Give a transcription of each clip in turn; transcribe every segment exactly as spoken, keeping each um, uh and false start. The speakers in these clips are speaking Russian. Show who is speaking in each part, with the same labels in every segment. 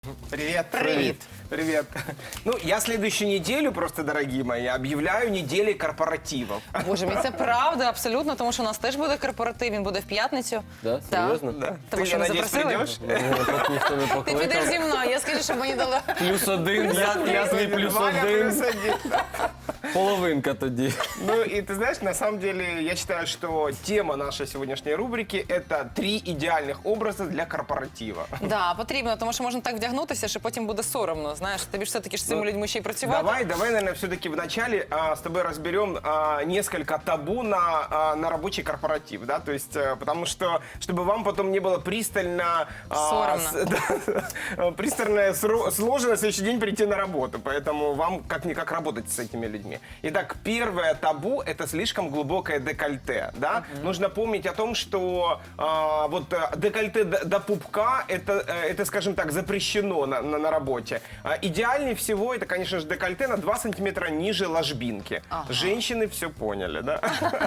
Speaker 1: Привет.
Speaker 2: Привет.
Speaker 1: Привет. Ну, я следующую неделю, просто, дорогие мои, объявляю неделей корпоративов.
Speaker 2: Боже мій, це правда, абсолютно, тому що у нас теж буде корпоратив, він буде в п'ятницю.
Speaker 3: Да?
Speaker 2: Так.
Speaker 3: Серйозно?
Speaker 1: Да.
Speaker 2: Тому
Speaker 1: Ты,
Speaker 2: що
Speaker 1: я
Speaker 2: ми
Speaker 1: надеюсь,
Speaker 2: запросили.
Speaker 1: придешь?
Speaker 3: Мене поки ніхто не
Speaker 2: Ти підеш
Speaker 3: покликав.
Speaker 2: зі мною, я скажу, щоб мені дали.
Speaker 3: Плюс один, я, я свій плюс
Speaker 1: Ваня плюс
Speaker 3: один.
Speaker 1: один.
Speaker 3: Половинка тоді.
Speaker 1: Ну, и ты знаешь, на самом деле, я считаю, что тема нашей сегодняшней рубрики – это три идеальных образа для корпоратива.
Speaker 2: Да, потрібно, тому що можна так вдягнутися, що потім буде соромно. Знаєш, тобі ж все-таки ж з цими людьми ще й працювати.
Speaker 1: Давай, давай, наверное, все-таки вначале а, с тобой разберем а, несколько табу на, а, на рабочий корпоратив, да, то есть, а, потому что, чтобы вам потом не было пристально... а,
Speaker 2: Соромно.
Speaker 1: с- да, пристально сро- сложно на следующий день прийти на работу, поэтому вам как-никак работать с этими людьми. Итак, первое табу – это слишком глубокое декольте, да, нужно помнить о том, что а, вот а, декольте до, до пупка – это, э, это, скажем так, запрещено на, на, на работе. А, идеальнее всего это, конечно же, декольте на два сантиметра ниже ложбинки.
Speaker 2: Ага.
Speaker 1: Женщины все поняли, да?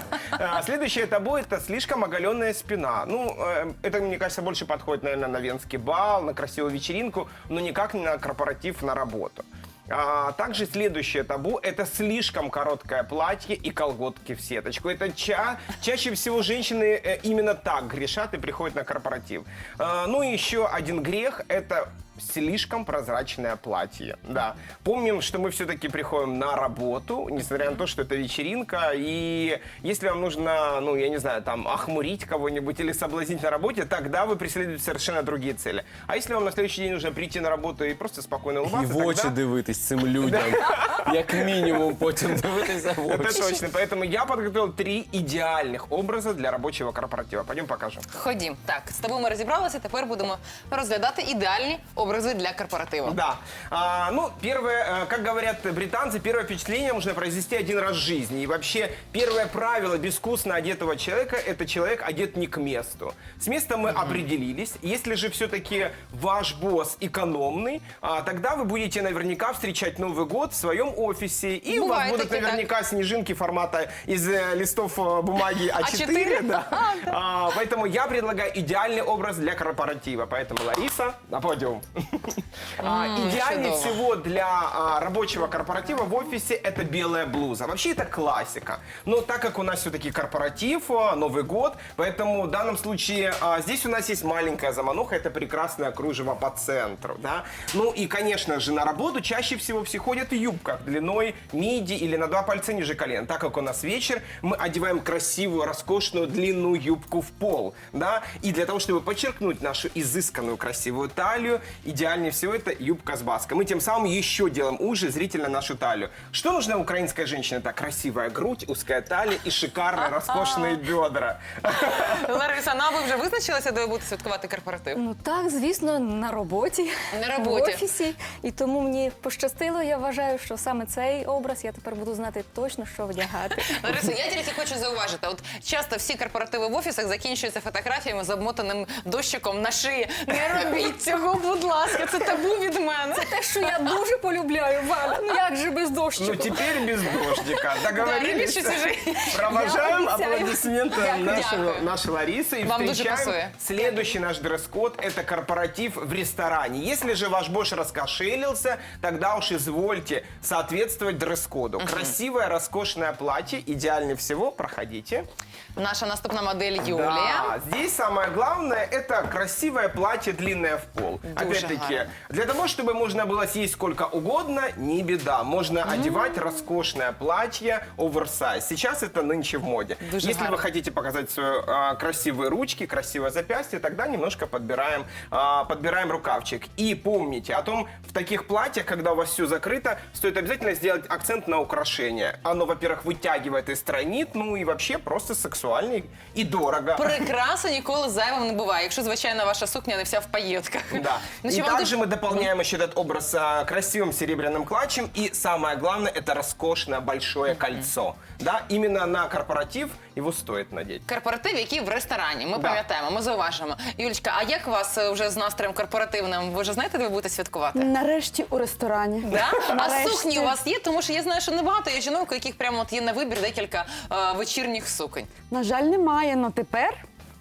Speaker 1: А, Следующее табу – это слишком оголенная спина. Ну, э, это, мне кажется, больше подходит, наверное, на венский бал, на красивую вечеринку, но никак не на корпоратив, на работу. А, также следующее табу – это слишком короткое платье и колготки в сеточку. Это ча чаще всего женщины э, именно так грешат и приходят на корпоратив. А, ну и еще один грех – это слишком прозрачное платье. Да. Помним, что мы все-таки приходим на работу, несмотря на то, что это вечеринка. И если вам нужно, ну, я не знаю, там, охмурить кого-нибудь или соблазнить на работе, тогда вы преследуете совершенно другие цели. А если вам на следующий день нужно прийти на работу и просто спокойно
Speaker 3: І
Speaker 1: улыбаться,
Speaker 3: в очі
Speaker 1: тогда...
Speaker 3: дивитись цим людям. Як мінімум потім дивитися в
Speaker 1: Это
Speaker 3: очі.
Speaker 1: точно. Поэтому я подготовил три идеальных образа для рабочего корпоратива. Пойдем покажем.
Speaker 2: Ходім. Так, з тобою ми розібралися, тепер будемо розглядати ідеальні образи для корпоративу.
Speaker 1: Да. А, ну, первое, э, как говорят британцы, первое впечатление можно произвести один раз в жизни. И вообще, первое правило безвкусно одетого человека – это человек одет не к месту. С местом мы определились. Если же все-таки ваш босс экономный, а, тогда вы будете наверняка встречать Новый год в своем офисе. И у вас
Speaker 2: Бывает
Speaker 1: будут
Speaker 2: таки так.
Speaker 1: наверняка снежинки формата из э, листов э, бумаги А четыре.
Speaker 2: А четыре?
Speaker 1: Да. А, поэтому я предлагаю идеальный образ для корпоратива. Поэтому, Лариса, на подиум. А,
Speaker 2: М,
Speaker 1: Идеальнее
Speaker 2: чудово.
Speaker 1: всего для а, рабочего корпоратива в офисе это белая блуза. Вообще это классика. Но так как у нас все-таки корпоратив, а, Новый год, поэтому в данном случае а, здесь у нас есть маленькая замануха, это прекрасное кружево по центру. Да? Ну и, конечно же, на работу чаще всего все ходят в юбках длиной миди или на два пальца ниже колен. Так как у нас вечер, мы одеваем красивую, роскошную длинную юбку в пол. Да? И для того, чтобы подчеркнуть нашу изысканную красивую талию, идеальнее всего это юбка с баской. Мы тем самым еще делаем уже зрительно нашу талию. Что нужно украинской женщине? Это красивая грудь, узкая талия и шикарные, роскошные бедра.
Speaker 2: Лариса, ну а ви вже визначилися, де ви будете святкувати корпоратив?
Speaker 4: Ну так, звісно, на роботі,
Speaker 2: На роботі.
Speaker 4: в офісі. І тому мені пощастило, я вважаю, що саме цей образ я тепер буду знати точно, що вдягати.
Speaker 2: Лариса, я тільки хочу зауважити, от часто всі корпоративи в офісах закінчуються фотографіями з обмотаним дощиком на шиї. Не робіть цього, будь ласка, це табу від мене.
Speaker 4: Те, що я дуже полюбляю, Валя, ну як же без дощику?
Speaker 1: Ну теперь без дождика. Договорились?
Speaker 2: Да, любишь чужие.
Speaker 1: Провожаем
Speaker 4: Я обещаю.
Speaker 1: аплодисментом нашу,
Speaker 2: Дякую.
Speaker 1: нашу Ларису и
Speaker 2: Вам дуже
Speaker 1: встречаем
Speaker 2: пасує.
Speaker 1: следующий наш дресс-код – это корпоратив в ресторане. Если же ваш босс раскошелился, тогда уж извольте соответствовать дресс-коду. Красивое, роскошное платье, идеальнее всего, проходите.
Speaker 2: Наша наступна модель Юлія.
Speaker 1: Да, здесь самое главное – это красивое платье, длинное в пол.
Speaker 2: Дуже
Speaker 1: Опять-таки,
Speaker 2: гарно.
Speaker 1: для того, чтобы можно было съесть сколько угодно, не беда. Можно одевать роскошное платье оверсайз. Сейчас это нынче в моде.
Speaker 2: Дуже
Speaker 1: Если
Speaker 2: гарно.
Speaker 1: вы хотите показать свои а, красивые ручки, красивое запястье, тогда немножко подбираем, а, подбираем рукавчик. И помните о том, в таких платьях, когда у вас все закрыто, стоит обязательно сделать акцент на украшение. Оно, во-первых, вытягивает и стройнит, ну и вообще просто сексуально и дорого.
Speaker 2: Прикраса ніколи зайвим не буває, якщо, звичайно, ваша сукня не вся в пайетках.
Speaker 1: Да.
Speaker 2: Ну,
Speaker 1: И
Speaker 2: чи вам
Speaker 1: также
Speaker 2: дуже-
Speaker 1: мы дополняем еще этот образ а, красивым серебряным клатчем. И самое главное, это роскошное большое кольцо. Да, именно на корпоратив его стоит надеть.
Speaker 2: Корпоратив, який в ресторані. Ми
Speaker 1: Да.
Speaker 2: пам'ятаємо, ми зауважимо. Юлічка, а як у вас е, вже з настроєм корпоративним? Ви вже знаєте, де ви будете святкувати?
Speaker 5: Нарешті у ресторані.
Speaker 2: Да? А
Speaker 5: Нарешті.
Speaker 2: сукні у вас є? Тому що я знаю, що небагато є жінок, у яких прямо от є на вибір декілька е, вечірніх суконь.
Speaker 5: На жаль, немає, але тепер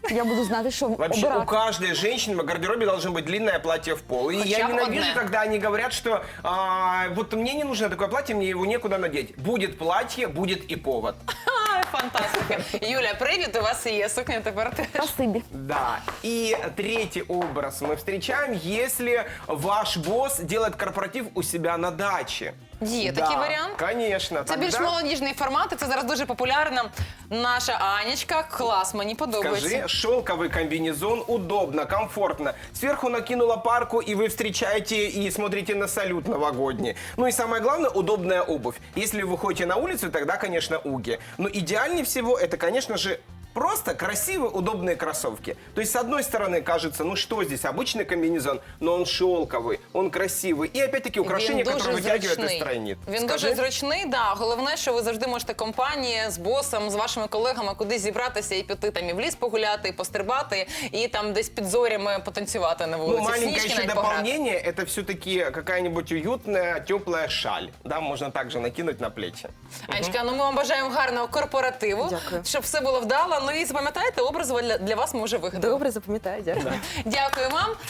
Speaker 5: Я буду знати, що
Speaker 1: Вообще, у
Speaker 5: обирати.
Speaker 1: каждой женщины в гардеробе должно быть длинное платье в пол. И
Speaker 2: Хотя
Speaker 1: я
Speaker 2: бы
Speaker 1: ненавижу,
Speaker 2: одна.
Speaker 1: когда они говорят, что а, вот мне не нужно такое платье, мне его некуда надеть. Будет платье, будет и повод.
Speaker 2: Ай, фантастика. Юля, привіт, у вас є сукня тепер теж.
Speaker 5: Спасибі.
Speaker 1: Да. И третий образ мы встречаем, если ваш босс делает корпоратив у себя на даче.
Speaker 2: Є
Speaker 1: Да,
Speaker 2: такий варіант?
Speaker 1: Конечно.
Speaker 2: Це більш
Speaker 1: Тогда
Speaker 2: молодіжний формат, і це зараз дуже популярна. Наша Анечка, клас, мені подобається.
Speaker 1: Скажи, шелковый комбинезон, удобно, комфортно. Сверху накинула парку, и вы встречаете и смотрите на салют новогодний. Ну и самое главное, удобная обувь. Если вы ходите на улицу, тогда, конечно, уги. Но идеальнее всего это, конечно же, просто красивые, удобные кроссовки. То есть, с одной стороны, кажется, ну что здесь, обычный комбинезон, но он шелковый, он красивый. И опять-таки украшения,
Speaker 2: Він
Speaker 1: которые
Speaker 2: дуже
Speaker 1: вытягивают и
Speaker 2: зручний.
Speaker 1: стройнит.
Speaker 2: Він
Speaker 1: Скажи.
Speaker 2: дуже зручний, да. Головне, що ви завжди можете компанії з босом, з вашими колегами кудись зібратися і піти там і в ліс погуляти, і пострибати, і там десь під зорями потанцювати на
Speaker 1: Ну,
Speaker 2: вулиці. в
Speaker 1: маленькое
Speaker 2: сніжки
Speaker 1: еще
Speaker 2: навіть пограти.
Speaker 1: дополнение, это все-таки какая-нибудь уютная, теплая шаль. Да, можно также накинуть на плечи.
Speaker 2: Анечка, ну ми вам бажаємо гарного корпоративу,
Speaker 5: Дякую.
Speaker 2: щоб все було вдало. Ну і запам'ятайте, образ для, для вас ми вже вигадали.
Speaker 5: Добре, запам'ятаю, дякую.
Speaker 2: Дякую вам.